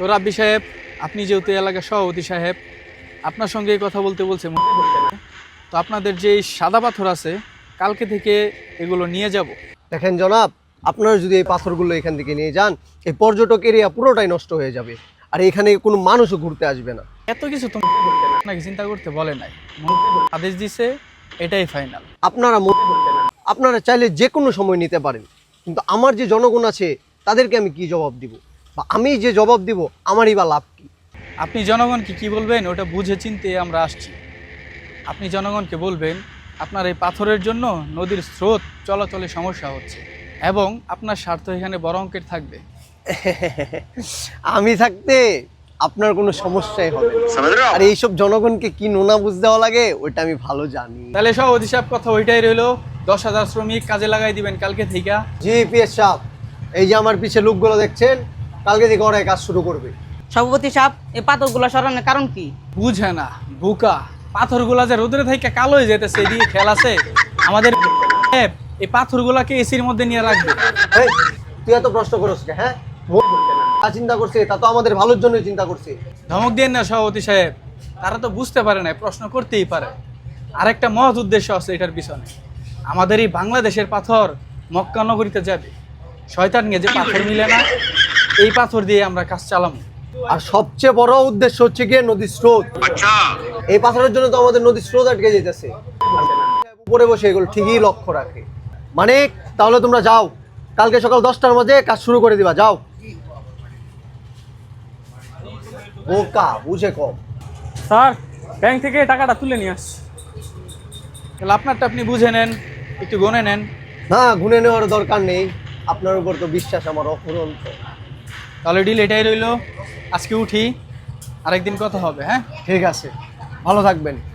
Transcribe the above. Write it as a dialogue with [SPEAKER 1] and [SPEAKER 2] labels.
[SPEAKER 1] তো রাব্বি সাহেব, আপনি যেহেতু এলাকার সভাপতি সাহেব, আপনার সঙ্গে কথা বলতে বলছে। তো আপনাদের যে সাদা পাথর আছে, কালকে থেকে এগুলো নিয়ে যাব।
[SPEAKER 2] দেখেন জনাব, আপনারা যদি এই পাথরগুলো এখান থেকে নিয়ে যান, এই পর্যটক এরিয়া পুরোটাই নষ্ট হয়ে যাবে, আর এখানে কোনো মানুষও ঘুরতে আসবে না।
[SPEAKER 1] এত কিছু তো আপনাকে চিন্তা করতে বলে নাই, আদেশ দিছে, এটাই ফাইনাল।
[SPEAKER 2] আপনারা চাইলে যে কোনো সময় নিতে পারেন, কিন্তু আমার যে জনগণ আছে তাদেরকে আমি কি জবাব দিব, বা আমি যে জবাব দিব আমারই বা লাভ কি?
[SPEAKER 1] আপনি জনগণকে কি বলবেন ওটা বুঝে চিনতে আমরা আসছি। আপনি জনগণকে বলবেন আপনার এই পাথরের জন্য নদীর স্রোত চলাচলে সমস্যা হচ্ছে এবং আপনার স্বার্থ এখানে বড় অঙ্কের থাকবে।
[SPEAKER 2] আমি থাকতে আপনার কোনো সমস্যাই হবে না। আর এইসব জনগণকে কি নোনা বুঝ দেওয়া লাগে ওইটা আমি ভালো জানি।
[SPEAKER 1] তাহলে সভাপতি সাহেব, কথা ওইটাই রইলো, 10,000 শ্রমিক কাজে লাগাই দিবেন কালকে থেকে।
[SPEAKER 2] জি পিএস সাহেব, এই যে আমার পিছে লোকগুলো দেখছেন, কালকে থেকে ওরাই কাজ শুরু করবে।
[SPEAKER 3] সভাপতি সাহেব, এই পাথরগুলো সরানোর কারণ কি?
[SPEAKER 1] বুঝে না বুকা, পাথরগুলা যে রোদরে থেকে কালো হয়ে যেতেছে, এদিকে খেয়াল আছে আমাদের? এই পাথরগুলাকে এসির মধ্যে নিয়ে রাখবে।
[SPEAKER 2] এই, তুই এত প্রশ্ন করছিস কে? হ্যাঁ, তা চিন্তা করছে, তা তো আমাদের ভালোর জন্যই চিন্তা করছে।
[SPEAKER 1] ধমক দিয়ে না সভাপতি সাহেব, তারা তো বুঝতে পারে না, প্রশ্ন করতেই পারে। আরেকটা মহৎ উদ্দেশ্য আছে এটার পিছনে। আমাদের এই বাংলাদেশের পাথর মক্কা নগরীতে যাবে, শয়তান নিয়ে যে পাথর মিলে না, এই পাথর দিয়ে আমরা কাজ চালাবো।
[SPEAKER 2] আর সবচেয়ে বড় উদ্দেশ্য হচ্ছে গিয়ে নদীর স্রোত। এই পাথরের জন্য তো আমাদের নদীর স্রোত আটকে যেতেছে। উপরে বসে এগুলো ঠিকই লক্ষ্য রাখে। মানে তাহলে তোমরা যাও, কালকে সকাল 10টার মধ্যে কাজ শুরু করে দিবা, যাও। বোকা বুঝে কম।
[SPEAKER 4] স্যার, ব্যাংক থেকে টাকাটা তুলে নিয়ে আসছি।
[SPEAKER 1] তাহলে আপনারটা আপনি বুঝে নেন, একটু গনে নেন।
[SPEAKER 2] না, গুনে নেওয়ার দরকার নেই, আপনার উপর তো বিশ্বাস আমার অফুরন্ত।
[SPEAKER 1] তাহলে ডিল এটাই রইলো, আজকে উঠি, আরেকদিন কথা হবে। হ্যাঁ,
[SPEAKER 2] ঠিক আছে, ভালো থাকবেন।